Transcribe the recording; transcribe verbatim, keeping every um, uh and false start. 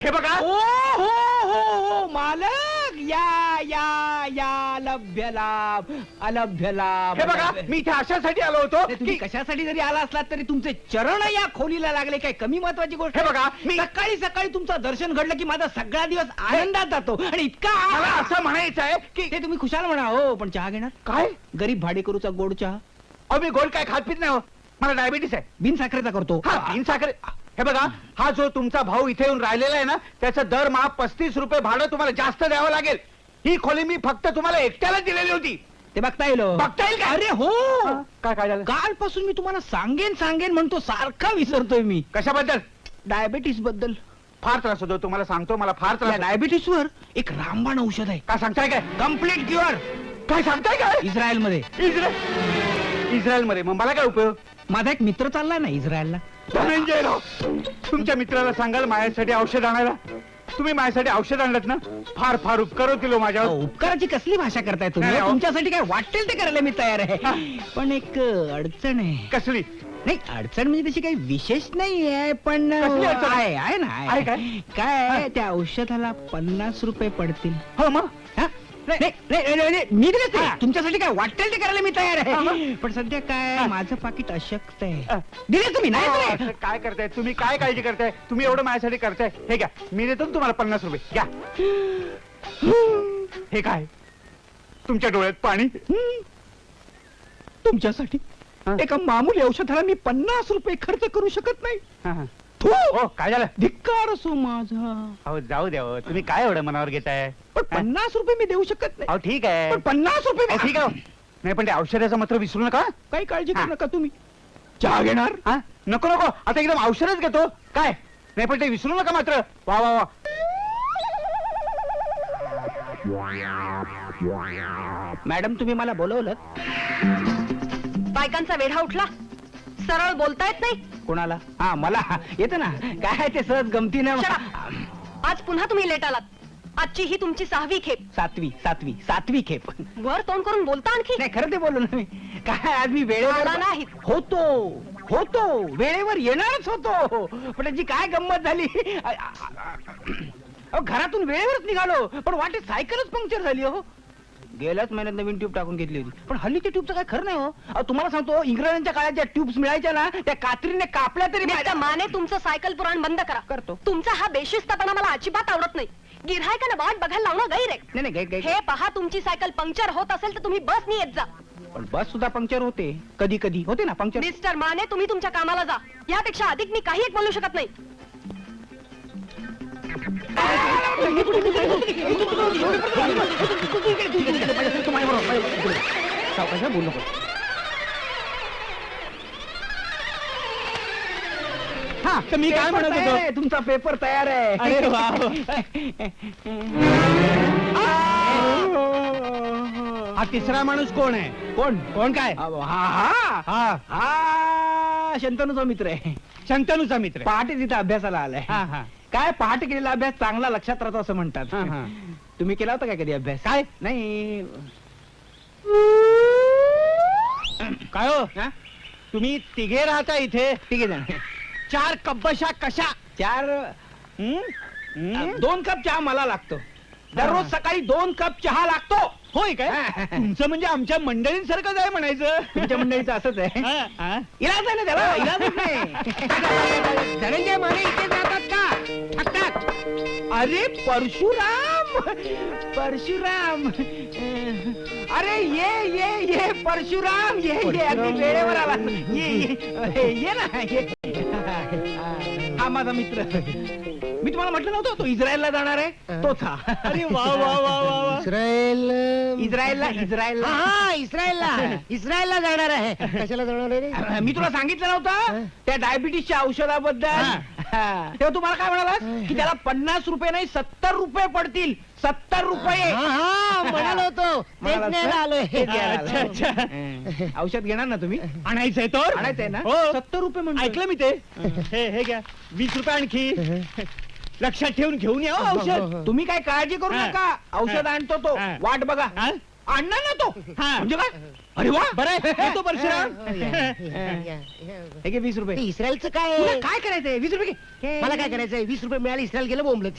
हे बघा. ओ हो हो हो मालक, या या या लभ्य लाभ अलभ्य लाभ. हे बघा, मी इथे अशासाठी आलो होतो नाही, तुम्ही की कशासाठी जरी आला असलात तरी तुमचे चरण या खोलीला लागले, काय कमी महत्वाची गोष्ट हे आहे? बघा, मी- सकाळी सकाळी तुमचं दर्शन घडलं की माझा सगळा दिवस आनंदात जातो आणि इतका मला असं म्हणायचं आहे की ते तुम्ही खुशाल म्हणा हो, पण चहा घेणार? काय गरीब भाडेकरूचा गोड चहा अहो मी गोड काय खात पित नाही हो, मला डायबिटीस आहे. बिन साखरेचा करतो. हा तीन साखर. हे बघा, हा जो तुमचा भाऊ इथे येऊन राहिलेला आहे ना, त्याचं दरमहा पस्तीस रुपये भाडं तुम्हाला जास्त द्यावं लागेल. ही खोली मी फक्त तुम्हाला एकट्याला दिलेली होती. ते बघता येईल हो. बघता येईल का? अरे हो, काय काय झालं? कालपासून मी तुम्हाला सांगेन सांगेन म्हणतो, सारखा विसरतोय मी. कशाबद्दल? डायबिटीस बद्दल. फार त्रास होतो तुम्हाला सांगतो, मला फार त्रास होतो. डायबिटीस वर एक रामबाण औषध आहे, काय सांगताय काय? Complete cure. काय सांगताय काय? इस्रायल मध्ये. इस्रायल इस्रायल मध्ये मग मला काय उपयोग? माझा एक मित्र चाललाय ना इस्रायलला. धनंजय राव, तुमच्या मित्राला सांगाल माझ्यासाठी औषध आणायला. तुम्ही माझ्यासाठी औषध आणलं ना, फार फार उपकार होतील हो माझ्यावर. अहो, उपकाराची कसली भाषा करताय तुम्ही? नाही, अहो. तुमच्यासाठी काय वाटेल ते करायला मी तयार आहे, पण एक अडचण आहे. कसली? नाही, अडचण म्हणजे तशी काही विशेष नाही आहे, पण कसली अडचण? आहे आहे ना आहे. आहे काय? काय आहे, त्या औषधाला पन्नास रुपये पडतील. हो मग हा? नाही, नाही, नाही, नाही, नाही, मी दिलेच नाही. हा. तुमच्यासाठी काय वाटेल ते करायला मी तयार हा, आहे, मग? पण सध्या काय हा. माझं पाकिट अशक्त आहे. हा. दिले तुम्ही नाही अहो, दिले? असं काय करताय तुम्ही? काय काळजी करताय तुम्ही? एवढं माझ्यासाठी करताय. हे घ्या, मी देतो ना तुम्हाला पन्नास रुपये. घ्या. हे काय? तुमच्या डोळ्यात पाणी? तुमच्यासाठी हा. एका मामूली औषधाला मी पन्नास रुपये खर्च करू शकत नाही. हा, हा. थू! हो, काय झालं? धिक्कार असो माझा. अहो जाऊ द्या हो. तुम्ही काय एवढं मनावर घेताय? पण पन्नास रुपये मी देऊ शकत नाही. अहो ठीक आहे. पण पन्नास रुपये अहो, मी- ठीक आहे हो. नाही पण त्या औषधाचं मात्र विसरू नका. काही काळजी हा. करू नका तुम्ही. चहा घेणार? हा? नको नको, आता एकदम औषधच घेतो. काय नाही पण ते विसरू नका मात्र. वा वा वा. मॅडम तुम्ही मला बोलवलं? बायकांचा वेढा उठला, सरळ बोलता येत नाही. कोणाला? हा मला येतं ना. काय ते सहज गमतीनं. Shut आज पुन्हा तुम्ही लेट आलात. आजची ही तुमची सहावी खेप. सातवी सातवी सातवी खेप. वर तोंड करून बोलता आणखी. नाही खरं ते बोललो ना मी. काय आज मी वेळेवर आला नाहीत. होतो होतो वेळेवर येणारच होतो, पण त्याची काय गंमत झाली. अहो, घरातून वेळेवरच निघालो, पण वाटेत सायकलच पंक्चर झाली हो. गेल्याच महिन्यात नवीन ट्यूब टाकून घेतली होती, पण हल्ली त्या ट्यूबचं काय खरं नाही हो. अहो, तुम्हाला सांगतो, इंग्रजांच्या काळात ज्या ट्यूब्स मिळायच्या ना, त्या कात्रीने कापल्या तरी मिस्टर माने, तुमचं सायकल पुराण बंद करा. करतो. तुमचा हा बेशिस्तपणा मला अजिबात आवडत नाही. गिऱ्हाईकांना वाट बघायला लावणं गैर आहे. नाही नाही gai- gai- हे पहा, तुमची सायकल पंक्चर होत असेल तर तुम्ही बसनी येत जा. पण बस सुद्धा पंक्चर होते कधी कधी, होते ना पंक्चर. मिस्टर माने, तुम्ही तुमच्या कामाला जा. यापेक्षा अधिक मी काही एक बोलू शकत नाही. बोलू नको. हा, तर मी काय म्हणत होतो? तुमचा पेपर तयार आहे. अरे वा. हा तिसरा माणूस कोण आहे? कोण कोण काय? हा हा हा हा शंतनूचा मित्र आहे. शंतनूचा मित्र. पहाटे तिथे अभ्यासाला आलाय. हा हा काय पहाटे केलेला अभ्यास चांगला लक्षात राहतो असं म्हणतात. हा, हा. तुम्ही केला होता काय कधी अभ्यास? काय? नाही. काय हो? हा? तुम्ही तिघे राहता इथे? ठीक आहे. चार कब्बशा कशा? चार हं? हं? दोन कप चहा मला लागतो. दररोज सकाळी दोन कप चहा लागतो. होय काय? हा. तुमचं म्हणजे आमच्या मंडळींसारखंच आहे म्हणायचं. तुमच्या मंडळीचं असंच आहे. हा, हा. इलाज आहे ना त्याला, इलाजच नाही. धनंजय माने इथे जातात का? थकतात. अरे परशुराम, परशुराम. अरे ये ये ये परशुराम, ये ये अगदी वेळेवर आला. ये ये ये ना ये. हा माझा मित्र. मी तुम्हाला म्हटलं नव्हतं तो इस्रायलला जाणार आहे, तोच हा. अरे वा वा वा वा वा. इस्रायल इस्रायलला इस्रायलला हा इस्रायलला इस्रायलला जाणार आहे. कशाला जाणार आहे रे? मी तुला सांगितलं नव्हतं त्या डायबिटीसच्या औषधाबद्दल? हा. तेव्हा तुम्हाला काय म्हणालास की त्याला पन्नास रुपये नाही सत्तर रुपये पडतील. सत्तर रुपये. हा हा म्हणालो होतो तेच म्हणालास न्यायला ना? आलोय. तेच घ्यायला अच्छा, आलोय. अच्छा. हं. औषध घेणार ना तुम्ही? आणायचंय तर? आणायचंय ना? हो. सत्तर रुपये म्हणतो. ऐकलं मी ते. हे हे घ्या वीस रुपये आणखी. लक्षात ठेवून घेऊन या हो औषध. तुम्ही काय काळजी करू हा. नका, औषध हा. आणतो तो. हा. वाट बघा. हा? आणणार ना तो. हा. म्हणजे काय? अरे वा, बरं आहे. येतो परशुराम. हे घे वीस रुपये. ते इस्रायलचं काय तुला आहे? काय करायचंय? वीस रुपये घे. मला काय करायचंय? वीस रुपये मिळाले इस्रायल गेलं बोंबलत.